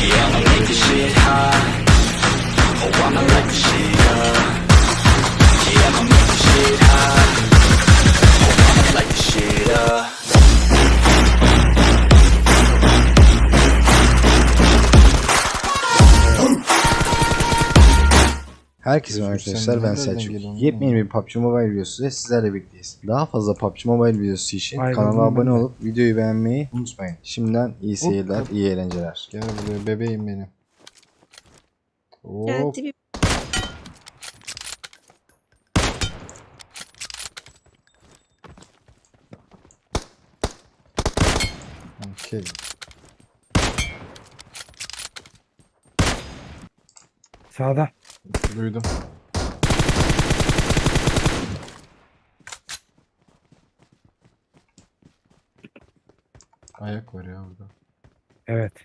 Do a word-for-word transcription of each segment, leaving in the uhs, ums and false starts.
Yeah, I'ma make this shit hot. Oh, I'ma light this shit up. Yeah, I'ma make this shit hot. Oh, I'ma light this shit up. Herkese merhaba Özgür, sen arkadaşlar, ben nerelerden Selçuk. geliyorsun Yepyeni lan? bir P U B G Mobile videosu ile sizlerle birlikteyiz. Daha fazla P U B G Mobile videosu için Ayrıldım kanala ben abone de. olup videoyu beğenmeyi unutmayın. Şimdiden iyi Hop, seyirler, hop. iyi eğlenceler. Gel buraya bebeğim benim. Hop. Geldi bir Okay. Sağda. Duydum. Ayak var ya burada. Evet.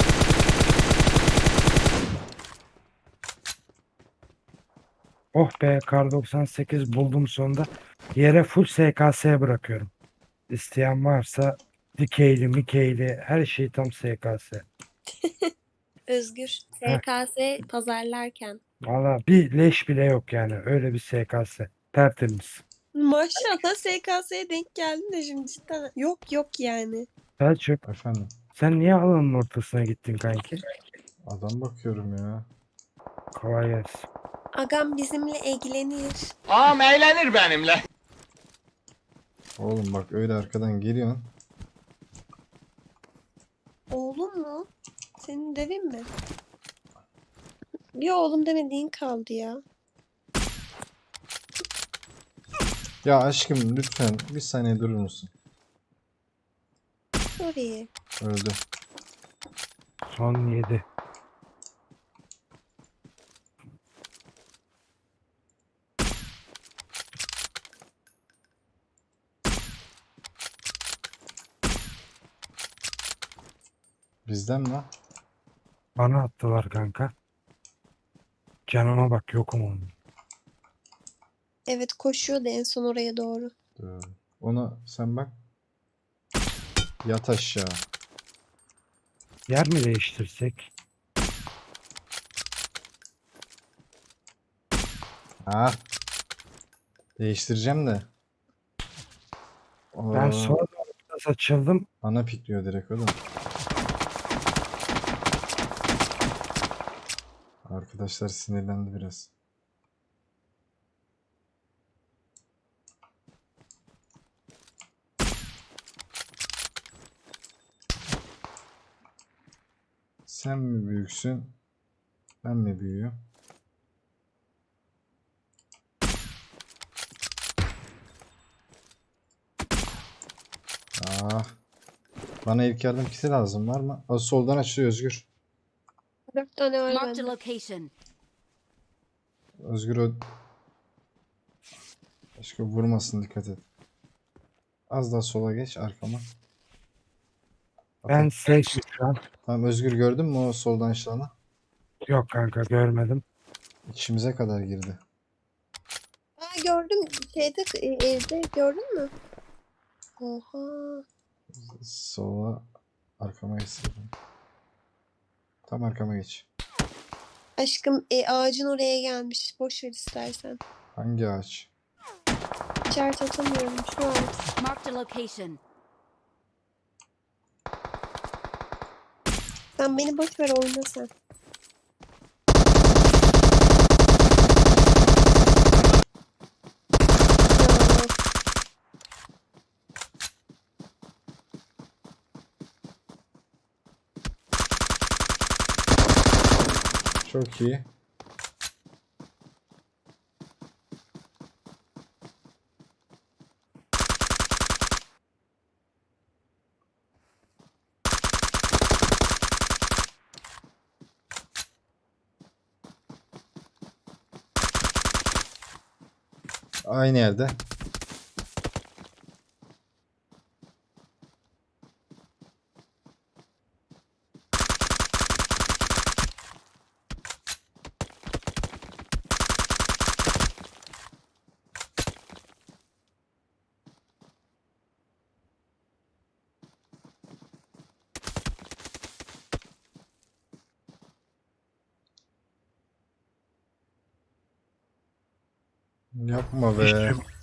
Oh be, kar doksan sekiz buldum sonunda. Yere full S K S bırakıyorum. İsteyen varsa dikeyli, mikeyli, her şey tam S K S. Özgür. Heh. S K S pazarlarken. Valla bir leş bile yok yani. Öyle bir S K S. Tertemiz. Maşallah S K S'ye denk geldin de şimdi cidden. Yok yok yani. Selçuk, Efendim. sen niye alanın ortasına gittin kanki? Adam bakıyorum ya. Kolay gelsin. Agam bizimle ilgilenir. Ağam eğlenir benimle. Oğlum bak öyle arkadan geliyorsun. Oğlum mu? Senin devin mi? Bir oğlum demediğin kaldı ya. Ya aşkım lütfen bir saniye durur musun? Oraya. Öldü. Son yedi. Bizden mi? Bana attılar kanka. Canıma bak, yokum onun. Evet koşuyordu en son oraya doğru. Dur. Ona sen bak. Yat aşağı. Yer mi değiştirsek? Ha. Değiştireceğim de. Ben Aa, sonra biraz açıldım. Ana pikliyor direkt oğlum. Arkadaşlar sinirlendi biraz. Sen mi büyüksün? Ben mi büyüğüm? Ah. Bana ilk yardım kiti lazım, var mı? O soldan açılıyor Özgür. Dört tane var Marked a bende. location. Özgür o... Başka vurmasın, dikkat et. Az daha sola geç arkama. Ben safe şu an. Tamam Özgür, gördün mü o soldan açılanı? Yok kanka, görmedim. İçimize kadar girdi. Aa gördüm. Şeyde e, evde gördün mü? Oha. Sola arkama geçsin. Tam arkama geç. Aşkım e, ağacın oraya gelmiş. Boş ver istersen. Hangi ağaç? İşaret atamıyorum şu an. Marked a location. Sen beni boş ver oyna sen. Ya, Çok iyi. Aynı yerde. Yapma be. İşçi,